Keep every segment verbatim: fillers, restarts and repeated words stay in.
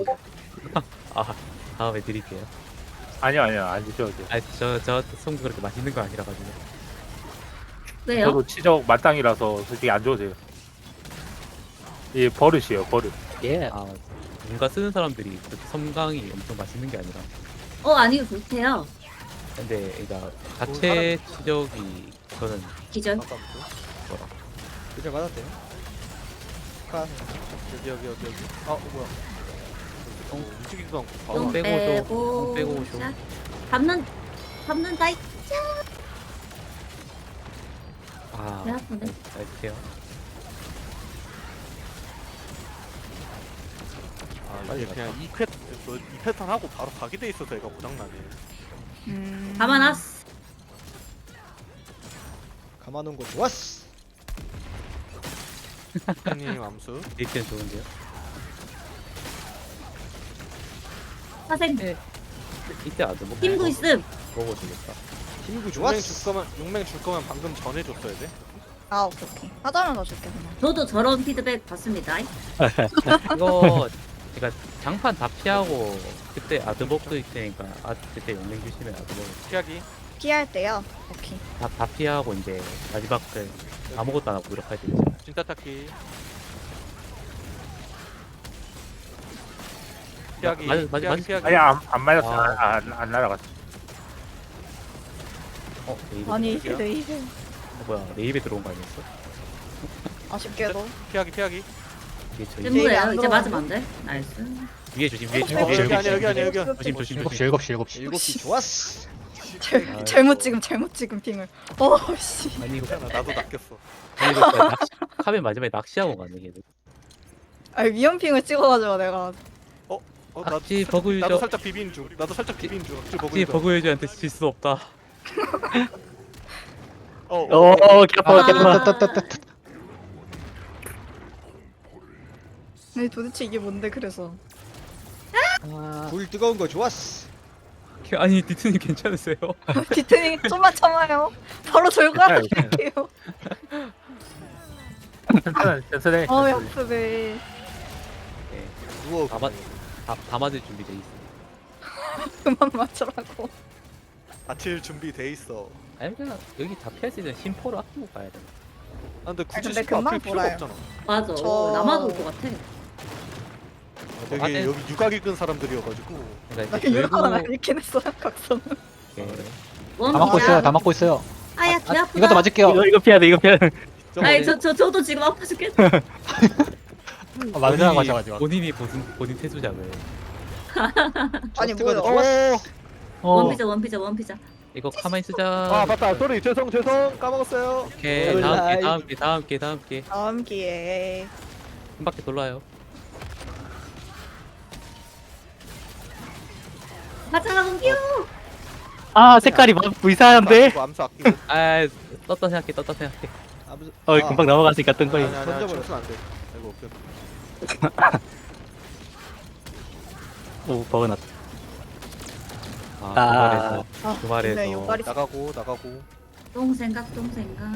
아 다음에 드릴게요. 아니요 아니요 안 드셔도 돼요. 아저저 송도 그렇게 맛있는 거 아니라 가지고. 왜요? 저도 치적 마땅이라서 솔직히 안 줘도 돼요. 이게 버릇이에요 버릇. 예. 아 맞아. 뭔가 쓰는 사람들이 그렇게 섬광이 엄청 맛있는 게 아니라. 어 아니요 좋대요. 근데 그러니까 자체 치적이 저는 기절. 아까부터. 뭐라. 이제 맞았대요. 카. 여기 여기 여기 여기. 아 어, 뭐야? 어, 움직이지도 않고 바로 똥 똥 빼고 오쇼. 빼고 똥 빼고 오쇼. 샷. 잡는 잡는다. 이 아 배 아프네. 알게요. 아 빨리 이게 그냥 이 패, 너, 이 패턴 하고 바로 가게 돼 있어서 얘가 고장나네. 음. 가만놨어. 가만놓은 거 좋았어. 형님 암수. 데이트는 좋은데요. 사생 네. 이때 아주 뭐 팀도 있음. 먹어주겠다. 힘구 용맹 좋았어. 줄 거면 용맹 줄 거면 방금 전에 줬어야 돼. 아 오케이 오케이. 하자면 더 줄게 그냥. 저도 저런 피드백 받습니다. 이거 제가 장판 다 피하고 그때 아드복도 있으니까 아 그때 용맹 주시면 아드복 피하기. 피할 때요. 오케이. 다, 다 피하고 이제 마지막 그 아무것도 안 하고 노력할 때 있잖아. 진짜 탁기. 피하기. 맞아, 맞아, 피하기 맞아. 피하기. 아니 안, 안 맞았어. 아. 안, 안, 안 날아갔어. 어 레이브 아니 여기요? 내 입에 어, 뭐야 레이브에 들어온 거 아니었어? 아쉽게도. 피하기 피하기. 이게 저희 네, 뜬거예요. 안 이제 들어가네. 맞으면 안 돼. 나이스. 위에 조심 위에 조심 어, 위에 여기 조심 아니야 여기 아니야 여기 아니야. 조심 조심 일곱 조심. 시 일곱 시 일곱 시. 일곱 시 좋았어. 잘, 잘못 찍음 잘못 찍음 핑을. 어씨. 아니 이거 괜찮아 나도 낚였어. 아니 이거 진짜 낚시 카메 마지막에 낚시하고 가네 걔들. 아 위험 핑을 찍어가지고 내가. 어 나도 악지 살- 버그 유저. 나도 살짝 비빈 중. 나도 살짝 비빈 중. 악지 버그 혹시 유저. 버그 유저한테 질 수 없다. 어. 어. 오, 아. 개파 개파. 따따따따. 아니 도대체 이게 뭔데 그래서. 아 불 뜨거운 거 좋았어. 아니 디트님 괜찮으세요? 디테닝 좀만 참아요. 바로 절고 괜찮아요, 할게요. 괜찮아 괜찮아. 어 아프네. 네. 누워. 다, 맞, 다, 다 맞을 준비돼 있어. 그만 맞추라고. 아칠 준비돼 있어. 아니 그냥 여기 다 피할 수 있는 심포를 아끼고 가야 돼. 아 근데 굳이 근데 신고 금방 앞에 필요가 돌아요. 없잖아. 맞아. 저- 남아도 올 것 같아. 되게 안에- 여기 육각이 끈 사람들이어가지고. 그러니까 나 이제 이거 하나 결국 읽긴 했어 각성. 이렇게 원 다 맞고 피자. 있어요. 다 맞고 있어요. 아야 배 아프다. 이것도 맞을게요. 이거 피해야 돼 이거 피해야 돼. 아니 저, 저 저도 지금 아파 죽겠어. 아, 맞으라 가셔가지고. 본인이 본인 본인 태수작을 아니 뜨거운 뭐야. 거 좋았어. 어. 원피자 원피자 원피자. 이거 가만히 쓰자. 아 맞다. 소리 죄송 죄송 까먹었어요. 오케이 다음 게 다음 게 다음 게 다음 게 다음 기회에. 한 바퀴 돌아요. 가자 원기요. 아 색깔이 막 불쌍한데. 아끼고 암수 아끼고. 아 떴다 생각해 떴다 생각해. 아무튼- 어 아, 금방 넘어갔으니까 뜬 아니 거예요. 아니 아니 던져버렸어. 쳤으면 안 돼. 아이고 오케이. 오 버그 났다. 아 아. 그 아, 그 말에서 근데 요발이 나가고 나가고. 똥 생각 똥 생각.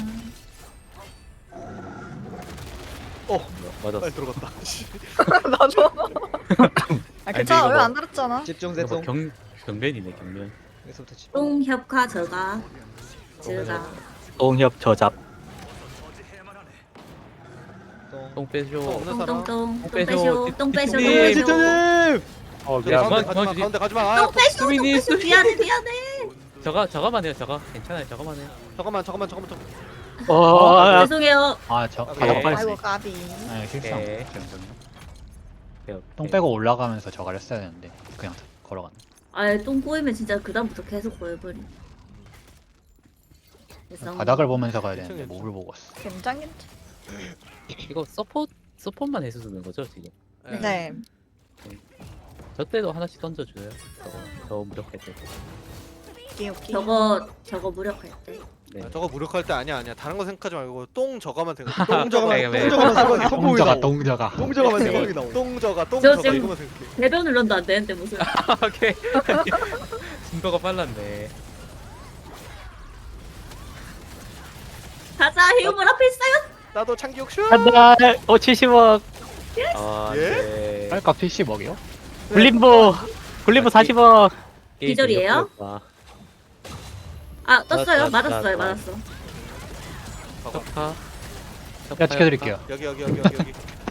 어 맞았어. 빨리 들어갔다. 씨. 나도. 아 근데 괜찮아 이거 왜 뭐- 안 달았잖아. 집중 이거 뭐 대성. 경 경면이네 경면. 여기서부터 집. 똥 협화 저가. 저가. 동협 저잡. 똥. 똥 빼줘. 어, 없는 사람. 똥똥똥 똥 빼쇼. 빼쇼 똥 빼쇼 똥 네, 빼쇼. 지터님. 어 저기 미안. 그만, 가운데 가지마 그만 주지. 가운데 가지마. 아, 똥 빼쇼 똥 수민이, 빼쇼 미안해 미안해. 저가 저가만 해요 저가 괜찮아요 저가만 해요. 잠깐만 잠깐만 잠깐만 잠깐만. 어. 어, 아, 죄송해요. 아저 오케이. 가방 빨리. 아이고 까비. 네 실수한 거. 오케이 오케이, 오케이. 똥 빼고 올라가면서 저걸 했어야 되는데 그냥 걸어갔네. 아똥 꼬이면 진짜 그다음부터 계속 꼬여버리. 그래서 바닥을 보면서 가야 되는데 괜찮겠죠. 몹을 보고 왔어. 굉장히. 이거 서포트 서포트만 해서 쓰는 거죠 지금? 네. 저 때도 하나씩 던져줘요. 저거 저 무력할 때. 오케이 오케이. 저거 저거 무력할 때. 네. 아, 저거 무력할 때 아니야 아니야. 다른 거 생각하지 말고 똥 저가만 생각해. 똥 네, 저가만 네. 똥 저가만 생각이 동저가 성공이다. 동저가. 똥 저가만 생각이 나오. 똥 저가 똥 저 저가 지금- 이거만 생각해. 배변 훈련도 안 되는데 무슨. 오케이. 증거가 빨랐네. 가자 해우물 앞에 있어요. 나도 창기욕 슛. 한달 어 칠십억. 아 예? 네. 할까 칠십억이요? 굴림보 굴림보 사십 원. 기절이에요? 아 떴어요. 나- 나- 맞았어요. 나- 맞았어. 척파. 제가 지켜드릴게요. 여기 여기 여기 여기 여기.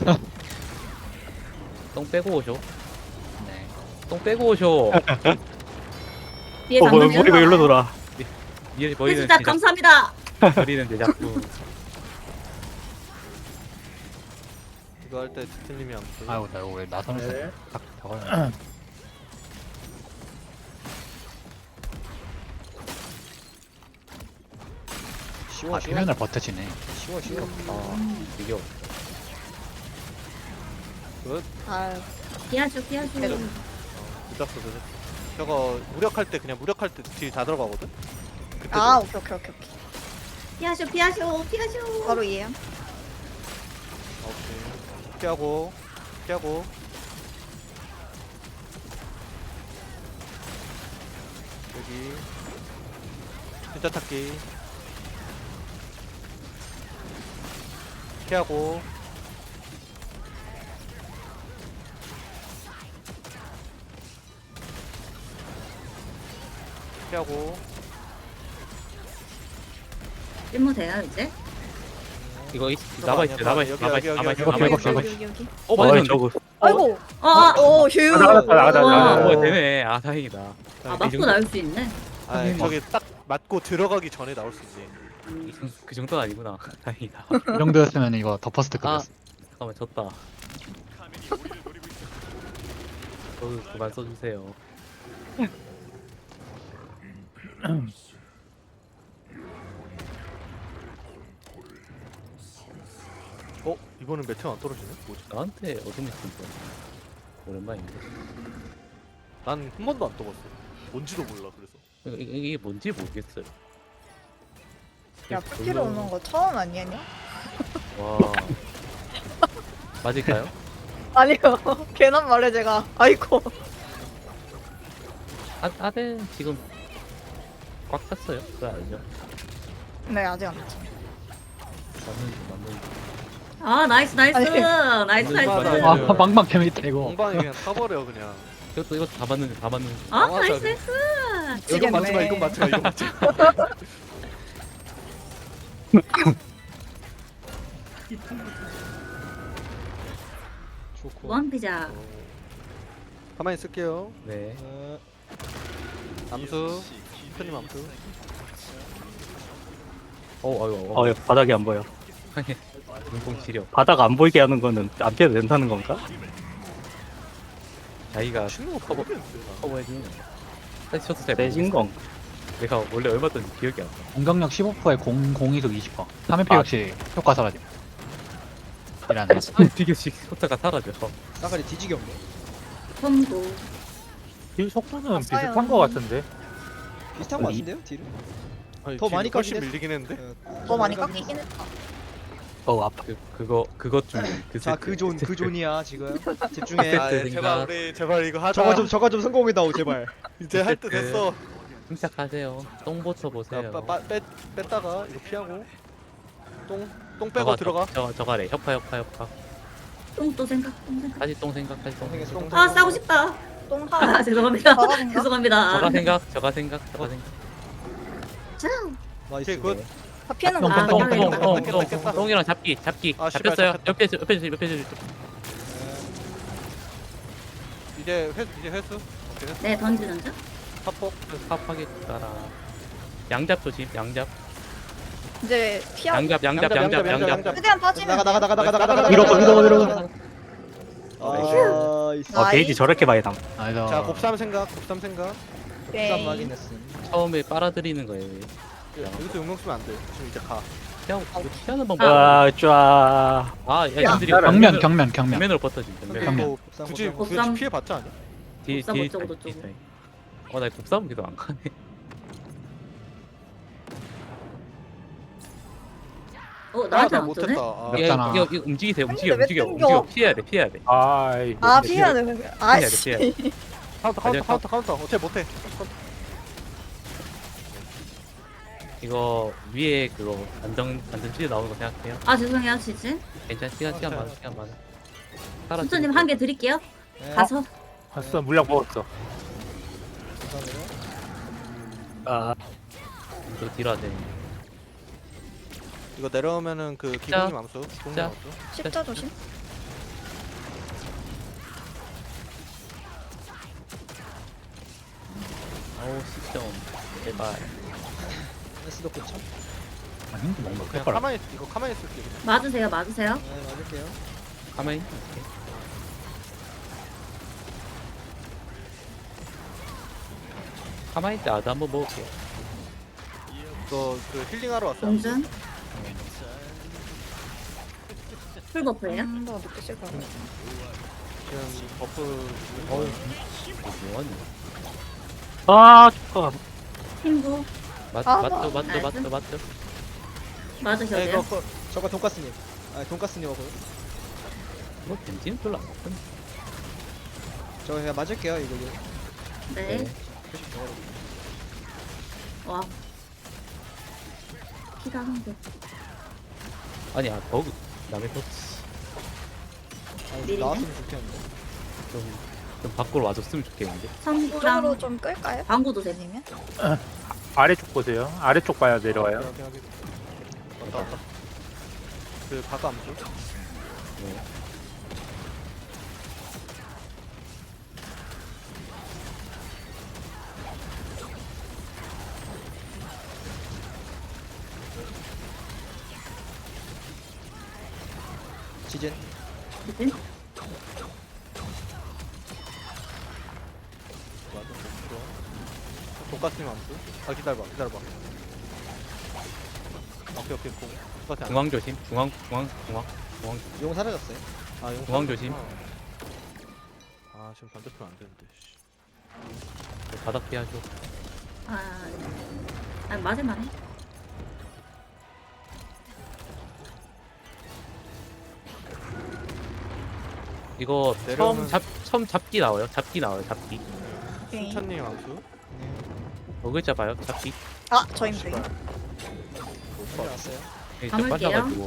똥 빼고 오쇼. 네. 똥 빼고 오쇼. 뒤에 어, 뭐, 장면이 머리가 일로 돌아. 위에 보이는 진짜 제작, 감사합니다. 버리는 제작품. 이거 할 때 디틀님이 안 보여. 아이고 나 이거 왜 나선을 네. 딱 저걸. 쉬워 아 쉬워 비면을 버텨지네. 쉬워 쉬워. 아, 이겨. 아 피하쇼 피하쇼. 늦었어 늦었어. 저거 무력할 때 그냥 무력할 때 딜 다 들어가거든. 그때 아 오케이 오케이 오케이 오케이. 피하쇼 피하쇼 피하쇼. 바로 이해요. 오케이. 피하고 피하고. 여기 진짜 탁기 피하고 피하고 일모 돼요 이제? 이거 있, 저거 남아 아니야, 있어, 남아 여기, 있어, 여기, 남아 여기, 있어, 남아 여기, 있어, 여기, 남아 여기, 있어. 여기 여기. 여기 여기 여기. 어, 어, 맞아, 저거. 아이고. 어, 아, 오 휴. 나가다 나가다 우와. 나가다. 어, 되네. 아, 다행이다. 아 이 맞고 정도- 나올 수 있네. 아 저기 딱 맞고 들어가기 전에 나올 수 있지. 이 정- 그 정도는 아니구나. 다행이다. 이 정도였으면 이거 더 퍼스트 아, 급이었어. 잠깐만, 졌다. 저도 그만 써주세요. 어 이번엔 매트 안 떨어지네? 뭐지? 나한테 어둠이 있어. 오랜만인데. 난 한 번도 안 떠봤어. 뭔지도 몰라 그래서. 이거- 이거- 이게 뭔지 모르겠어요. 야 피피로 오는 거 처음 아니냐? 와. 맞을까요? 아니요. 괜한 말해 제가. 아이고. 아, 아덴 지금 꽉 찼어요. 그거 알죠? 네 아직 안 했죠. 맞는지 맞는지. 아 나이스 나이스 아니. 나이스 맞네, 나이스. 맞네. 아 방방 재밌다 이거. 엉방에 그냥 타버려 그냥. 이것도 이것도 다 맞는지 다 맞는지. 아 맞아, 나이스 그래. 나이스. 이건 맞지 마 미치겠네. 이건 맞지 마 이건 맞지 마. 좋고. 무한 피자. 어. 가만히 있을게요. 네. 어, 암수. 편님 암수. 어, 아유, 어, 예, 바닥이 안 보여. 눈공 치료. 바닥 안 보이게 하는 거는 안 피해도 된다는 건가? 자기가 치는 거 커버 모르겠는데. 나. 커버해주는. 사실 저도 잘 세진 모르겠어요. 건. 내가 원래 얼마 던지 기억이 안 나. 공격력 십오 퍼센트에 공 공이속 이십 퍼센트. 삼 회피 역시 효과 사라짐. 이라네. 한 비교씩 효과가 사라져. 싸가리 뒤지게 없네. 콤보. 딜 속도는 아, 비슷한 싸요. 거 같은데. 비슷한 거 이- 같은데요 딜은? 아니, 더 뒤로 많이 훨씬 깎이네. 밀리긴 했는데. 어, 더 많이 깎이네. 깎이긴 했다. 어, 아파. 그 그거 그것 중그 자그 존 그 존이야 지금. 집중해. 아, 세트 제발 생각. 우리 제발 이거 하자. 저거 좀 저거 좀 성공해다오 제발. 이제 할 때 세트. 됐어. 침착하세요. 똥보쳐 자, 보세요. 빠, 빠, 뺐, 뺐다가 이거 피하고 똥, 똥 빼고 저가, 들어가. 저, 저 저가래. 협파 협파 협파. 똥또 생각 똥 생각. 다시 똥 생각 다시 똥 생겼어, 생각. 똥 아 싸고 싶다. 똥하. 아 죄송합니다. 저가 생각? 죄송합니다. 저가 생각 저가 생각 저가 생각. 자. 나이스. 오케이, 굿. 다 피하는 똥, 거. 아, 아, 똥, 똥, 똥, 똥, 똥. 똥. 깼다, 깼다, 깼다. 똥이랑 잡기 잡기 아, 씨발, 잡혔어요. 잡혔다. 옆에 옆에 주 옆에 주 옆에 주. 이제 회, 이제 회수. 오케이, 회수. 네 던지 던져. 합법. 팝하게 따라. 양잡 조심. 양잡. 이제 피하. 양잡 양잡 양잡 양잡. 최대한 빠지면. 나가 나가 나가 나가 나가 나가. 밀어서, 밀어서, 밀어서. 나이스. 아, 게이지 저렇게 많이 남. 아이고. 자, 곱삼 생각, 곱삼 생각. 부산 확인했음. 처음에 빨아들이는 거예요. 여기서 용명 쓰면 안 돼. 지금 이제 가. 피하고 이거 피하는 방법. 아, 쫙. 아, 야, 님들이 경면 경면 경면. 경면으로 버텨지. 경면. 근데 뭐 곱삼, 굳이 곱삼. 굳이 곱삼. 피해 봤자 아니야? 뒤 곱삼 뒤 어쩌고 뒤- 저쩌고. 뒤- 어, 나 곱삼 기도 안 가네. 어 아, 나한테 나 안 못했다. 뜨네. 아, 이거, 어렵잖아. 이거, 이거 움직이세요. 움직여, 왜 움직여, 땡겨? 움직여. 피해야 돼, 피해야 돼. 아이. 아 네, 피해야 돼. 피해야 돼, 아씨. 피해야 돼. 카운터, 카운터, 카운터, 카운터. 어째 못해. 이거 위에 그거 안정 안정 치즈 나오는 거 생각해요. 아 죄송해요 지진. 괜찮. 시간 시간 많아, 시간 많아. 살아. 순수님 한 개 드릴게요. 네. 가서. 봤어, 물약 먹었어. 감사합니다. 아, 이거 딜해야 돼. 이거 내려오면은 그 기공님 암수. 기공님 자. 암수. 십자 조심. 어우 시점 제발. 에스도 고쳐. 아, 힌트 뭔가 그냥 뺄 거라. 가만히 있- 이거 가만히 있을게. 그냥. 맞으세요, 맞으세요. 네, 맞을게요. 가만히 있을게. 가만히 있을 때 아드 한번 먹을게요. 이거 그 힐링하러 왔어요. 공준. 풀버프예요? 음, 더 늦게 쓸 거야. 지금 버프. 어우 이거 뭐하니? 아, 축하. 팀보. 맞, 아, 맞죠 맞죠 나이스. 맞죠 맞죠. 맞으셔야 네, 이거 돼요. 거- 저거 돈까스님. 아, 돈까스님 하고요. 뭐 벤지는 별로 안 먹던데. 저 그냥 맞을게요, 이거. 이거. 네. 네. 표식 정하고. 와. 피가 한 개. 아니 아 버그 남의 터치 아, 미리네? 나왔으면 좋겠는데. 좀, 좀 밖으로 와줬으면 좋겠는데. 이쪽으로 선구랑 좀 끌까요? 방구도 돼. 아니면? 아래쪽 보세요. 아래쪽 봐야 내려와요. 여기, 여기, 여기. 왔다 왔다. 그 바가 암수. 네. 지진. 그치? 맞아. 뭐, 돈가스님 암수. 아 기다려봐, 기다려봐. 오케이 오케이 공. 똑같아. 안 중앙 조심. 중앙 중앙 중앙 중앙 용 사라졌어요. 아, 이거 중앙 조심. 아, 지금 반대편 안 되는데. 씨. 바닥 피하죠. 아, 아 맞을만 해. 이거 내려오면- 처음 잡 처음 잡기 나와요. 잡기 나와요. 잡기. 오케이. 순천님 암수. 어 글자 봐요. 잡기. 아, 저임 저임. 씨발. 빨리 왔어요. 이게 담을게요. 빠져가지고.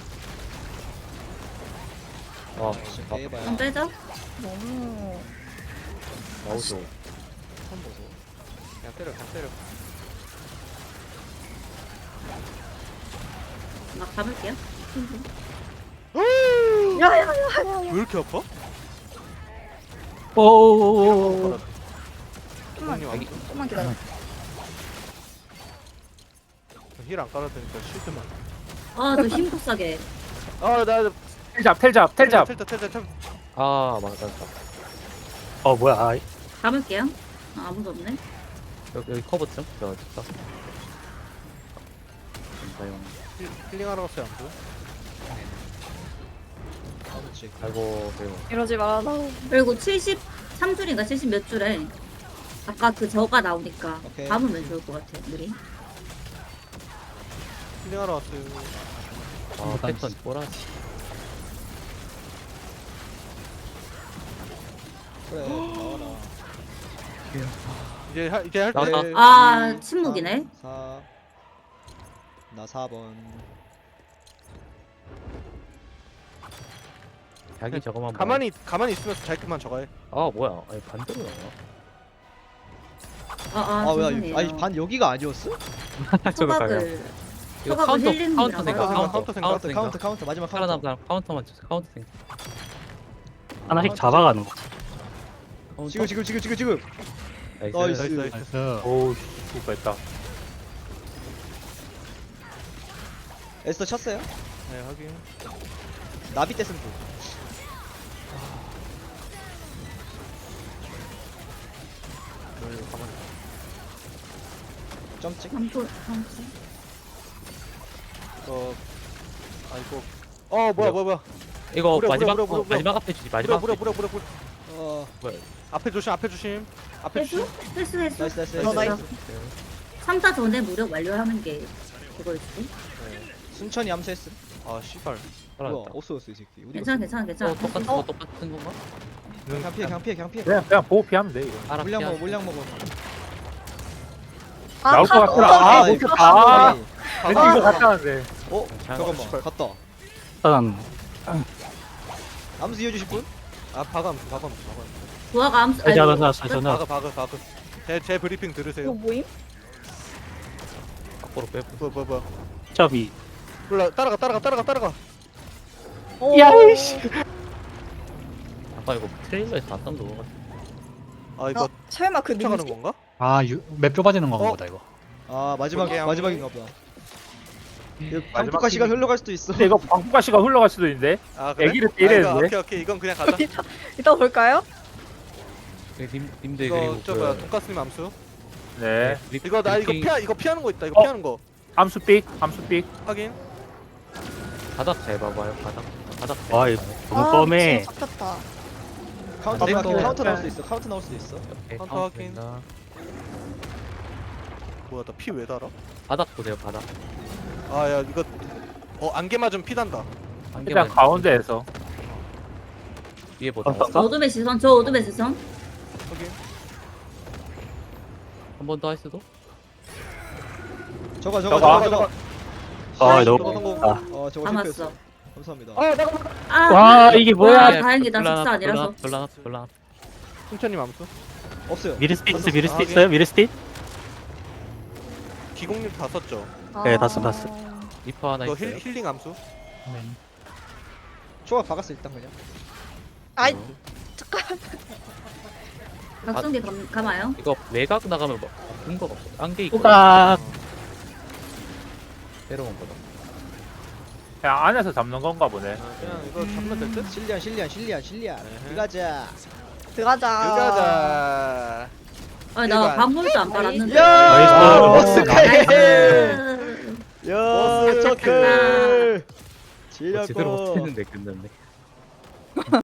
어, 지금 어, 대봐요. 좀 빼죠. 너무 마우스. 처음 보소. 그냥 때려, 그냥 때려. 막 잡을게요. 야야야야. 왜 이렇게 아파? 오, 좀만 기공님 암수. 좀만 기다려. 힐안 깔아드니까 실드만. 아, 저 힘도 싸게. 아, 나 텔잡, 텔잡, 텔잡. 텔자, 텔자, 텔자. 아 맞다 맞다. 어, 뭐야. 아, 잡을게요. 아, 아무도 없네. 여기, 여기 커버 좀. 저 진짜. 감사용. 힐- 힐링하러 갔어요 암수. 아무치. 아이고 매우. 이러지 마라. 그리고 칠십삼 줄인가 칠십 몇 줄에 아까 그 저가 나오니까 오케이. 담으면 좋을 것 같아요. 미리. 힐링하러 왔어요. 아 패턴 보라지. 그래, 나와라. 이제 하, 이제 할 때. 나왔다. 아, 침묵이네. 사. 나 사 번. 자기 저거만 봐. 가만히 가만히 있으면서 자기만 저가 해. 아 뭐야? 아니 반대로 나와. 아, 아, 아, 왜, 죄송해요. 아니, 반 여기가 아니었어? 저거 가요. 초각을. 이거 초각을 카운터 힐링이라고 카운터 생각 하더라고요. 카운터 카운터 생각, 카운터 카운터, 생각. 카운터, 카운터. 마지막 카운터. 살아남은 사람 카운터만 주세요. 카운터 생각. 하나씩 잡아가는 거. 카운터. 지금, 지금, 지금, 지금, 지금. 나이스. 나이스. 나이스 나이스. 오, 죽을 뻔했다. 에스터 쳤어요? 네 확인. 나비 때 승부. 네, 가만히. 점찍. 점프, 점프. 어. 아 이거. 어 뭐야 뭐야 뭐야. 이거 무려, 마지막 무려, 무려, 어, 무려. 마지막 앞에 주지. 무려 마지막 무려 앞에. 무려 무려 무려. 어, 앞에 조심 앞에 조심. 앞에 회수? 조심. 회수, 회수. 나이스, 나이스, 어, 나이스. 나이스. 삼 타 전에 무력 완료하는 게 그거였지. 순천이 암수했음. 아 씨발. 뭐야, 살아났다. 어쏘였어, 이 새끼. 어디 괜찮아, 괜찮아, 괜찮아. 어 똑같은 거 똑같은 건가? 그냥 피해, 그냥 피해, 그냥 피해. 그냥, 그냥 보호 피하면 돼, 이거. 알아. 물량 피하- 먹어, 물량 먹어. 아, 나올 것 파- 같더라. 어, 아, 아이, 못 쳤다. 아, 아니, 왠지 이거 갔다 왔는데. 어, 괜찮아. 잠깐만, 씨발. 갔다. 일단, 암수 이어주실 분? 아 바감 바감 바감. 부하가 암수. 살지 아이고, 않았나 살지 않았나 바그 바그 바그. 제 제 브리핑 이거 들으세요. 모임? 밖으로 빼. 뭐 뭐 뭐. 점이 몰라 따라가 따라가 따라가 따라가. 오. 야이씨 아까 이거 트레일러에 다 떴던 거 같아. 아 이거 어, 설마 그 쫓아가는 민지? 건가? 아맵 좁아지는 건가 어? 보다 이거. 아 마지막 볼게요. 마지막인가 보다. 이거 마지막 방투가 시간 팀이- 흘러갈 수도 있어. 근데 이거 방풍가시가 흘러갈 수도 있는데 아 그래? 애기를 아, 이거 때리는데? 오케이 오케이 이건 그냥 가자. 이따, 이따 볼까요? 그 님 님들 이거 그리고 저 뭐야 돈가스님 암수. 네 브리- 이거 나 이거 브리핑 피하 이거 피하는 거 있다. 이거 어? 피하는 거 암수삑 암수삑 확인. 바닥 잘 봐봐요. 바닥 바닥. 잘 아이, 봐봐요. 너무 아, 뻔해. 미친, 잡혔다. 카운터 아, 생각해. 또- 카운터 나올 수도 있어. 카운터 나올 수도 있어. 오케이, 카운터 카운트 확인. 된다. 뭐야 나 피 왜 달아? 바닥 보세요. 바닥. 아 야 이거 어 안개 맞으면 피 단다. 한 일단 개만 가운데에서 위에 보다. 어, 저 어둠의 시선. 저 어둠의 시선. 확인. 한 번 더 할 수도? 저거 저거 저거, 저거 저거. 아 저거 너무 성공. 아, 어 저거 감았어. 실패했어. 감사합니다. 아 나가. 아, 와 이게 와, 뭐야 다행이다. 별로 숙사 하나, 아니라서. 별로 하나, 별로 하나, 별로 하나. 순천님 암수. 없어요. 미르스틱 있어 아, 미르스틱 오케이. 있어요 미르스틱? 기공률 다 썼죠. 네, 아. 봤어, 봤어. 리퍼 하나 이거 있어요. 힐, 힐링 암수. 초가 박았어 일단 그냥. 아이, 각성기 감, 감아요. 이거 외곽 나가면 뭐 근거가 없어. 안개 있고. 후각 새로운 거다. 그냥 안에서 잡는 건가 보네 그냥 이거 잡으면 될 듯. 실리안 실리안 실리안 실리안. 에헤. 들어가자. 들어가자. 가자. 아니, 이거 나 안- 방울도 안 빨았는데. 야! 나이스. 머스 카이. 나이스. 야, 머스 저클. 어, 제대로 지렸고. 못했는데 끝났네.